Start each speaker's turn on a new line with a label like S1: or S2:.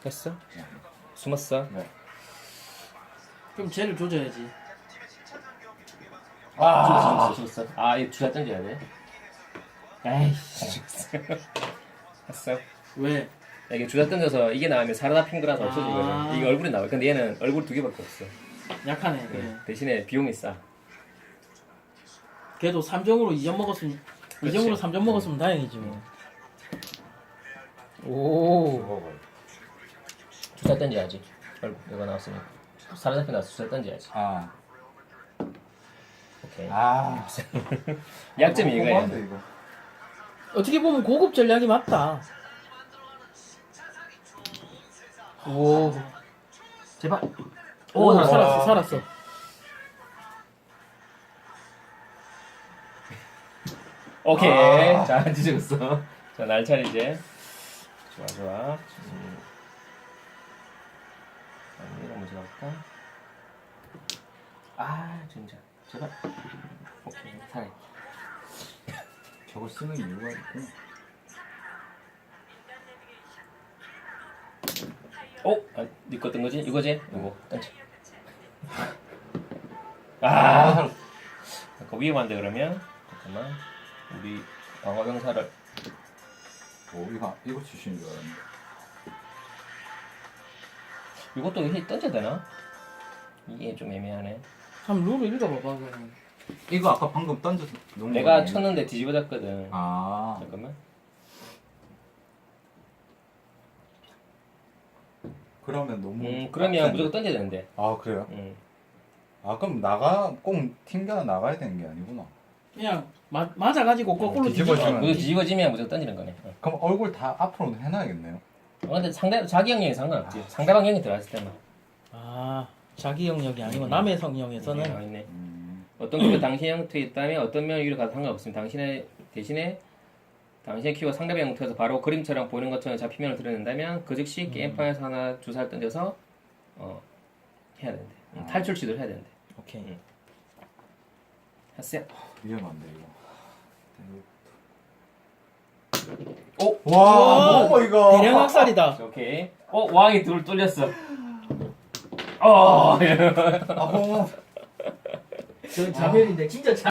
S1: 했어?
S2: 네.
S1: 숨었어?
S2: 네.
S3: 그럼 쟤를 조져야지.
S1: 죽었어. 아, 이거 주사 던져야 돼. 에이씨, 죽었어. 했어?
S3: 왜?
S1: 이게 주사 던져서 이게 나오면 사라다 핑크라서
S3: 아.
S1: 없어지거든. 이게 얼굴이 나와. 근데 얘는 얼굴 2개밖에 없어.
S3: 약하네. 그래.
S1: 대신에 비용이 싸.
S3: 걔도 3점으로 2점 먹었으면
S1: 그렇지.
S3: 2점으로 3점 먹었으면 다행이지 뭐. 오.
S2: 먹어요.
S1: 주사 던져야지. 얼굴 이거 나왔으니까. 사라다 핑크 나와서 주사 던져야지.
S2: 아.
S1: 오케이.
S2: 아.
S1: 약점이
S2: 너무
S1: 이거야.
S2: 고마운데, 이거.
S3: 어떻게 보면 고급 전략이 맞다. 오.
S1: 제발.
S3: 오,
S1: 살았어.
S3: 살았어, 살았어.
S1: 오케이.
S2: 아.
S1: 자, 뒤집었어. 자, 날 차리지. 좋아, 좋아. 이거 먼저 가볼까? 아, 진짜. 제발. 오케이, 살아.
S2: 저걸 쓰는 이유가 있구나.
S1: 아, 니거 뜬 거지? 이거지? 이거. 던져. 아, 잠깐 위험한데, 그러면? 잠깐만. 우리 방어병사를.
S2: 이거 주시는 줄 알았는데.
S1: 이것도 히 던져야 되나? 이게 좀 애매하네.
S3: 한번 룰을 읽어봐봐, 그러면.
S2: 이거 아까 방금 던져서 놓은
S1: 내가
S2: 거예요?
S1: 쳤는데 뒤집어졌거든.
S2: 아.
S1: 잠깐만.
S2: 그러면 너무.
S1: 그러면
S2: 빡센데.
S1: 무조건 던져야 되는데.
S2: 아, 그래요? 아, 그럼 꼭 튕겨 나가야 되는 게 아니구나.
S3: 그냥 맞아가지고 거꾸로
S2: 뒤집어지면-
S3: 뒤집어.
S1: 무조건 뒤집어지면 무조건 던지는 거네.
S2: 그럼 얼굴 다 앞으로 해놔야겠네요.
S1: 근데 자기 영역이 상관없지. 상대방 영역이 들어갔을 때만.
S3: 아, 자기 영역이 아니고 남의 성형에서는
S1: 나와 있네. 어떤 키가 당신의 영토에 있다면 어떤 면 위로 가도 상관없습니다. 대신에 당신의 키가 상대방 영토에서 바로 그림처럼 보이는 것처럼 잡히면을 드러낸다면 그 즉시 게임판에서 하나 주사를 던져서 해야 된대. 탈출 시도를 해야 된대.
S3: 오케이.
S1: 했어요.
S2: 위험한데, 이거.
S1: 오!
S2: 와, 뭐 이거.
S3: 대량 학살이다.
S1: 오케이. 왕이 둘 뚫렸어.
S2: 아, 뭐.
S3: 저 자멸인데 진짜